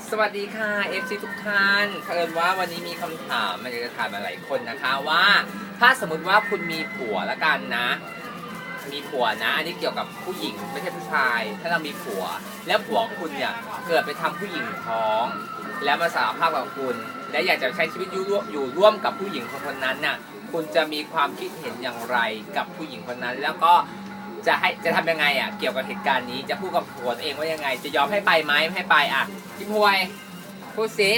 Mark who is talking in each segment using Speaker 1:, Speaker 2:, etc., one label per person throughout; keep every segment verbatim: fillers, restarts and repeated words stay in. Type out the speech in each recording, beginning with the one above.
Speaker 1: สวัสดีค่ะ เอฟ ซี ทุกท่านเผอิญว่าวันนี้มีคำถามมันจะถามมาหลายคนนะคะว่าถ้าสมมติว่าคุณมีผัวละกันนะมีผัวนะอันนี้เกี่ยวกับผู้หญิงไม่ใช่ผู้ชายถ้าเรามีผัวแล้วผัวของคุณเนี่ยเกิดไปทำผู้หญิงท้องแล้วมาสารภาพกับคุณและอยากจะใช้ชีวิตอยู่ร่วมอยู่ร่วมกับผู้หญิงคนนั้นน่ะคุณจะมีความคิดเห็นอย่างไรกับผู้หญิงคนนั้นแล้วก็จะให้จะทำยังไงอ่ะเกี่ยวกับเหตุการณ์นี้จะพูดกับผัวตัวเองว่ายังไงจะยอมให้ไปไหมไม่ให้ไปอ่ะพี่พวยพูดสิ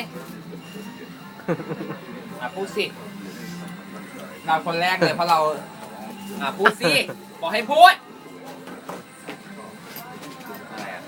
Speaker 1: อ่ะพูดสิเราคนแรกเลยเพราะเราอ่ะพูดสิบอกให้พูดอะไรอ่ะ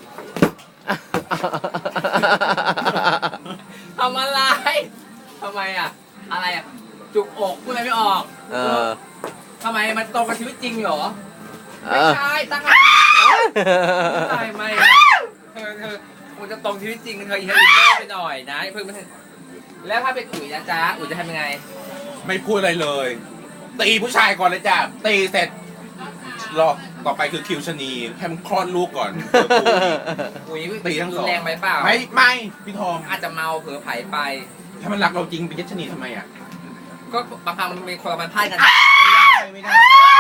Speaker 1: ทำอะไรทำไมอ่ะอะไรอ่ะจุกอกพูดอะไรไม่ออกเออทำไมมันตรงกับชีวิตจริงเหรอไม่ใช่ตั้งคำถามไม่ใช่ไม่เธอเธอมันจะตรงชีวิตจริงเธออีเทอร์เนอร์ไปหน่อยนะเพิ่งมาแล้วถ้าเป็นอุ๋ยนะจ๊ะอุ๋ยจะทำยังไง
Speaker 2: ไม่พูดอะไรเลยตีผู้ชายก่อนเลยจ้ะตีเสร็จรอต่อไปคือคิวชนีให้มันคลอดลูกก่อน
Speaker 1: อุ๋ยตีทั้งสองแรงไปเปล่า
Speaker 2: ไม่ไม่พี่ทอง
Speaker 1: อาจจะเมาเผลอไผ่ไป
Speaker 2: ถ้ามันรักเราจริงเป็นยัชนีทำไมอ่ะ
Speaker 1: ก็บางครั้งมันมีคนละมันพลาดกัน
Speaker 2: ไม่ได้ไม่ได้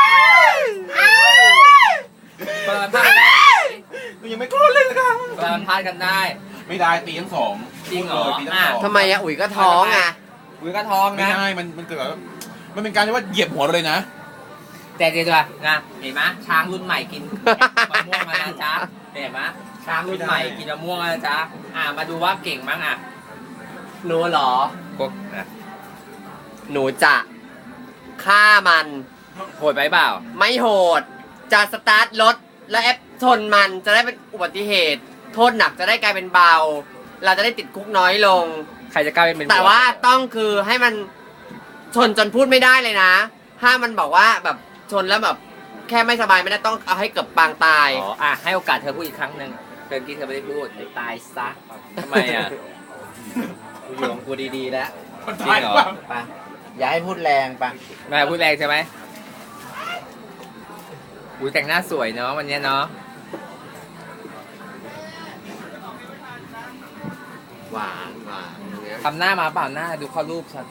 Speaker 1: คนละมันพลาดได้
Speaker 2: มันยังไม่คลอดเลยนะครับ
Speaker 1: คนละมันพลาดกันได้
Speaker 2: ไม่ได้ตีทั้งสอง
Speaker 1: จริงเหรอ
Speaker 3: ทำไมอะอุ๋ยก็ท้องอ่ะ
Speaker 1: อุ๋ยก็ท้องนะ
Speaker 2: ไม่ได้มันมันเกิดมันเป็นการที่ว่าเหยียบหัวเราเลยนะ
Speaker 1: แต่เดี๋ยวด้วยนะเห็นไหมช้างรุ่นใหม่กินมะม่วงมาแล้วจ้าเห็นไหมช้างรุ่นใหม่กินมะม่วงแล้วจ้าอ่ามาดูว่าเก่งมั้งอ่ะ
Speaker 3: หนูเหรอ
Speaker 1: ก็นะ
Speaker 3: หนูจะฆ่ามัน
Speaker 1: โหดไปเปล่า
Speaker 3: ไม่โหดจะสตาร์ทรถแล้วแอปชนมันจะได้เป็นอุบัติเหตุโทษหนักจะได้กลายเป็นเบาเราจะได้ติดคุกน้อยลง
Speaker 1: ใครจะกล้าเป็น
Speaker 3: แต่ว่าต้องคือให้มันชนจนพูดไม่ได้เลยนะถ้ามันบอกว่าแบบชนแล้วแบบแค่ไม่สบายไม่ได้ต้องเอาให้เกือบปางตาย
Speaker 1: อ๋ออ่ะให้โอกาสเธอพูดอีกครั้งหนึ่งเธอกี้เธอไม่ได้พูดตายซะทำไมอ่ะกูอยู่ของกูดีๆแล้ว
Speaker 2: จริงเหรอ
Speaker 3: ปะอย่าให้พูดแรงปะ
Speaker 1: ไม่พูดแรงใช่ไหมอุ้ยแต่งหน้าสวยเนาะวันนี้เนาะ
Speaker 3: หวานหวาน
Speaker 1: ทำหน้ามาเปล่าหน้าดูข้อรูปชัด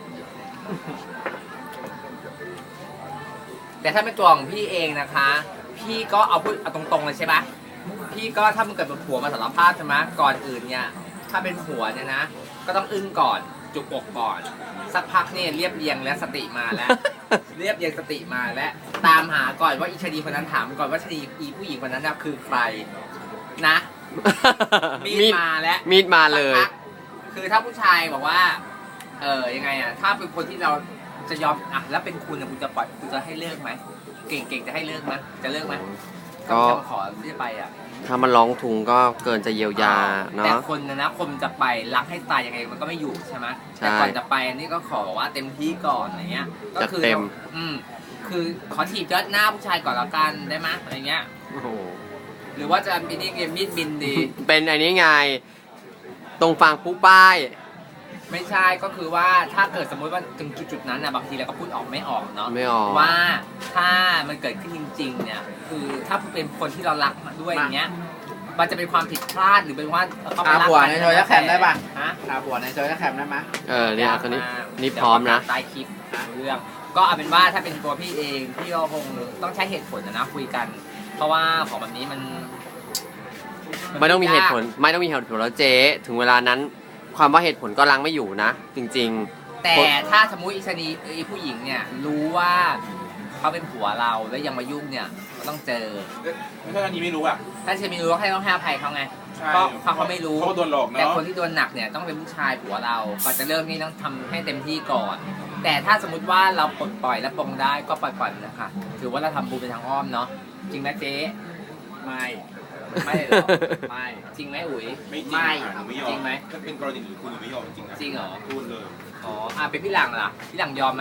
Speaker 1: แต่ถ้าเป็นตัวของพี่เองนะคะพี่ก็เอาพูดเอาตรงๆเลยใช่ปะพี่ก็ถ้ามันเกิดเป็นผัวมาสารภาพใช่ไหมก่อนอื่นเนี่ยถ้าเป็นผัวเนี่ยนะก็ต้องอึ้งก่อนจุกอกก่อนสักพักเนี่ยเรียบเรียงและสติมาแล้ว เรียบเรียงสติมาและตามหาก่อนว่าอีชดีคนนั้นถามก่อนว่าชดีอีผู้หญิงคนนั้นคือใครนะมีดมาแล้ว
Speaker 3: มีดมาเลย
Speaker 1: คือถ้าผู้ชายบอกว่าเออยังไงอ่ะถ้าเป็นคนที่เราจะยอมอ่ะแล้วเป็นคุณคุณจะปล่อยคุณจะให้เลิกไหมเก่งๆจะให้เลิกไหมจะเลิกไหมก็ขอที่จะไปอ่ะ
Speaker 3: ถ้ามันร้องทุงก็เกินจะเยียวยาเนาะ
Speaker 1: แต่คนนะนะคนจะไปรักให้ตายยังไงมันก็ไม่อยู่ใช่ไหมแต่ก่อนจะไปอันนี้ก็ขอว่าเต็มที่ก่อนอะไรเงี้ยก็คือ
Speaker 3: เต็ม
Speaker 1: อืมคือขอถีบยอดหน้าผู้ชายก่อนแล้วกันได้ไหมอะไรเงี้ยหรือว่าจะเป็นนี่เกมมีดบินดี
Speaker 3: เป็นอันนี้ไงตรงฝั่งผู้ป้าย
Speaker 1: ไม่ใช่ก็คือว่าถ้าเกิดสมมติว่าถึงจุดๆนั้นนะบางทีเราก็พูดออกไม่ออกเนาะ
Speaker 3: ไม่ออก
Speaker 1: ว่าถ้ามันเกิดขึ้นจริงๆเนี่ยคือถ้าเป็นคนที่เรารักมาด้วยอย่างเงี้ยมันจะเป็นความผิดพลาดหรือเป็นว่า
Speaker 3: เขาไปรักกันในโซเชียลแคมได้ป่ะ
Speaker 1: ฮะ
Speaker 3: อาผัวในโซเชียลแคมได้ไหมเออเนี่ยตอนนี้นี่พร้อมนะ
Speaker 1: ใต้คลิปเรื่องก็เอาเป็นว่าถ้าเป็นตัวพี่เองพี่ก็คงต้องใช้เหตุผลนะคุยกันเพราะว่าของแบบนี้มัน
Speaker 3: ไม่ต้องมีเหตุผลไม่ต้องมีเหตุผลแล้วเจ๊ถึงเวลานั้นความว่าเหตุผลก็ลังไม่อยู่นะจริง
Speaker 1: ๆแต่ถ้าสมมุติอีชนีไอ้ผู้หญิงเนี่ยรู้ว่าเขาเป็นผัวเราแล้วยังมายุ่งเนี่ยก็ต้องเจอ
Speaker 2: ถ้าอันนี้ไม่รู้อ่ะ
Speaker 1: ถ้าชนีรู้ก็ให้ต้องให้อภัยเขาไงเพราะเขาเขาไม่รู้
Speaker 2: เขาโดนหลอกเนาะ
Speaker 1: แต่คนที่โดนหนักเนี่ยต้องเป็นผู้ชายผัวเราก่อนจะเริ่มนี่ต้องทำให้เต็มที่ก่อนแต่ถ้าสมมติว่าเราปลดปล่อยและปลงได้ก็ปล่อยปล่อยนะคะถือว่าเราทำบุญเป็นทางอ้อมเนาะจริงไหมเจ๊
Speaker 2: ไม่
Speaker 1: ไม่หรอไม่จริงไหมอุ๋ย
Speaker 2: ไม่จริงไม่
Speaker 1: จริงไหม
Speaker 2: ถ้าเป็นกรณีอื่นคุณไม่ยอมจริงนะ
Speaker 1: จริงเหรอ
Speaker 2: พูดเลย
Speaker 1: อ๋ออ่ะเป็นพี่หลังล่ะพี่หลังยอมไหม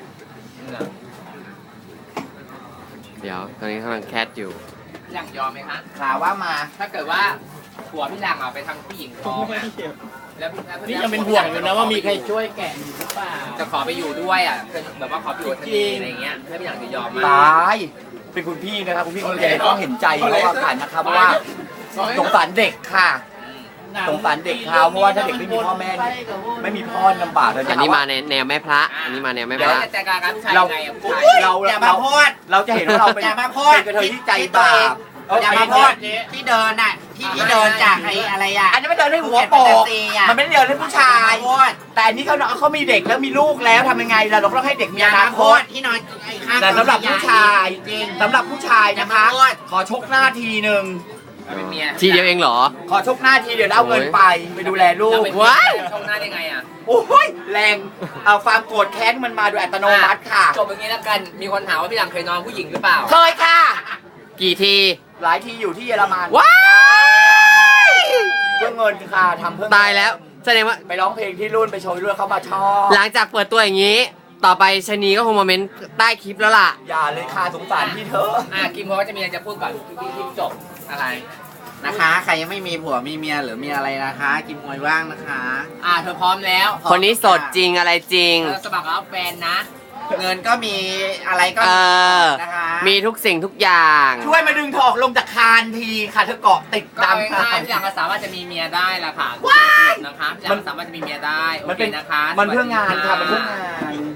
Speaker 3: เดี๋ยวตอนนี้กำลังแคทอยู่
Speaker 1: พี่หลังยอมไหมคะ
Speaker 3: ข่าวว่ามา
Speaker 1: ถ้าเกิดว่าผัวพี่หลังเอาไปทางผู้หญิงท้องอ่ะแล้ว
Speaker 4: นี่ยังเป็นห่วงอยู่นะว่ามีใครช่วยแกะหรือเปล่า
Speaker 1: จะขอไปอยู่ด้วยอ่ะแบบว่าขอไปอยู่ทันทีอะไรเงี้ยถ้าพี่หลังจะยอมไหม
Speaker 4: ตายเป็นคุณพี่นะครับคุณพี่คนแก่ต้องเห็นใจเขาผ่านนะครับเพราะว่าสงสารเด็กค่ะ
Speaker 5: สงสารเด็กเขาเพราะว่าถ้าเด็กไม่มีพ่อแม่เนี่ยไม่มีพ่อลำบากเลย
Speaker 3: อันนี้มาในแนวแม่พระ อันนี้มาแนวแม่พ
Speaker 1: แล้ว
Speaker 3: ระ
Speaker 1: จะจัดการกับผู้ชาย
Speaker 5: เรา
Speaker 1: ยังไงอะผู้ชาย
Speaker 5: เรา
Speaker 6: อย่ามา
Speaker 5: เรา
Speaker 6: พูด
Speaker 5: เราจะเห็นว่าเราเป็น
Speaker 6: อย่ามาพูด
Speaker 5: เป็นกระเทยที่ใจบาป
Speaker 6: อย่ามาพูดที่เดินน่ะที่ที่เดินจากไอ้อะไรอ่ะ
Speaker 5: อันนี้ไม่เดินให้หัวโปกมันไม่ได้เดินให้ผู้ชาย
Speaker 6: พูด
Speaker 5: แต่อันนี้เขาเขามีเด็กแล้วมีลูกแล้วทำยังไงล่ะเราก็ต้องให้เด็กมี
Speaker 6: อย่า
Speaker 5: อนา
Speaker 6: มา
Speaker 5: ค
Speaker 6: พู
Speaker 5: ต
Speaker 6: ดที่นอนไอ้ข้าง
Speaker 5: แต่สำหรับผู้ชาย
Speaker 6: จริง
Speaker 5: สำหรับผู้ชายนะคะ
Speaker 6: อย่ามาพูด
Speaker 5: ขอชกหน้าทีหนึ่ง
Speaker 1: เป็นเมีย
Speaker 3: ทีเดียวเองเหรอ
Speaker 5: ขอชกหน้าทีเดี๋ยวเอาเงินไปไปดูแลลู
Speaker 1: เรา
Speaker 5: ก
Speaker 1: เป็น
Speaker 3: ว้าย
Speaker 1: ช่องหน้าได้ไงอ่ะ
Speaker 5: โอ้ยแรงเอาความโกรธแค้นมันมาโดยอัตโนมัติค่ะ
Speaker 1: จบอย่างนี้แล้วกัน มีคนถามว่าพี่หลังเคยนอนผู้หญิงหรือเปล่า
Speaker 5: เคยค่ะ
Speaker 3: กี่ที
Speaker 5: หลายทีอยู่ที่เยอรมัน
Speaker 3: ว้าย
Speaker 5: เพื่อเงินค่ะทำเพื่อ
Speaker 3: ตายแล้วแสดงว่า
Speaker 5: ไปร้องเพลงที่รุ่นไปโชว์ที่รุ่นเขามาชอบ
Speaker 3: หลังจากเปิดตัวอย่างนี้ ต่อไปชะนีก็คงมาเมนต์ใต้คลิปแล้วล่ะ
Speaker 5: อย่าเลยค่ะสงสารพี่เธอ
Speaker 1: อ่ะกิมเขาจะมีอะไรจะพูดก่อนที่ที่จบอะไร
Speaker 6: นะคะ ใครยังไม่มีผัวมีเมียหรือมีอะไรนะคะ กินมวยว่างนะคะ
Speaker 1: อ่ะเธอพร้อมแล้ว
Speaker 3: คนนี้สดจริงอะไรจริง
Speaker 1: เธอสมัครรับแฟนนะ
Speaker 6: เงินก็มีอะไรก็
Speaker 3: เอ
Speaker 6: มี
Speaker 3: อ
Speaker 6: นะคะ
Speaker 3: มีทุกสิ่งทุกอย่าง
Speaker 5: ช่วยมาดึงเธอออกลงจากคานทีค่ะเธอเกาะติด
Speaker 1: ก็
Speaker 5: ตาม
Speaker 1: ง่ายๆพี่หลังก็สามารถจะมีเมียได้ละค่ะว้ายนะคะพี่หลังสามารถจะมีเมียได้โอ
Speaker 5: มัน
Speaker 1: เค
Speaker 5: เป็น
Speaker 1: นะคะ
Speaker 5: มันเพื่องานค่ะ
Speaker 1: สวั
Speaker 5: มัน
Speaker 1: สดี
Speaker 5: เพื่องาน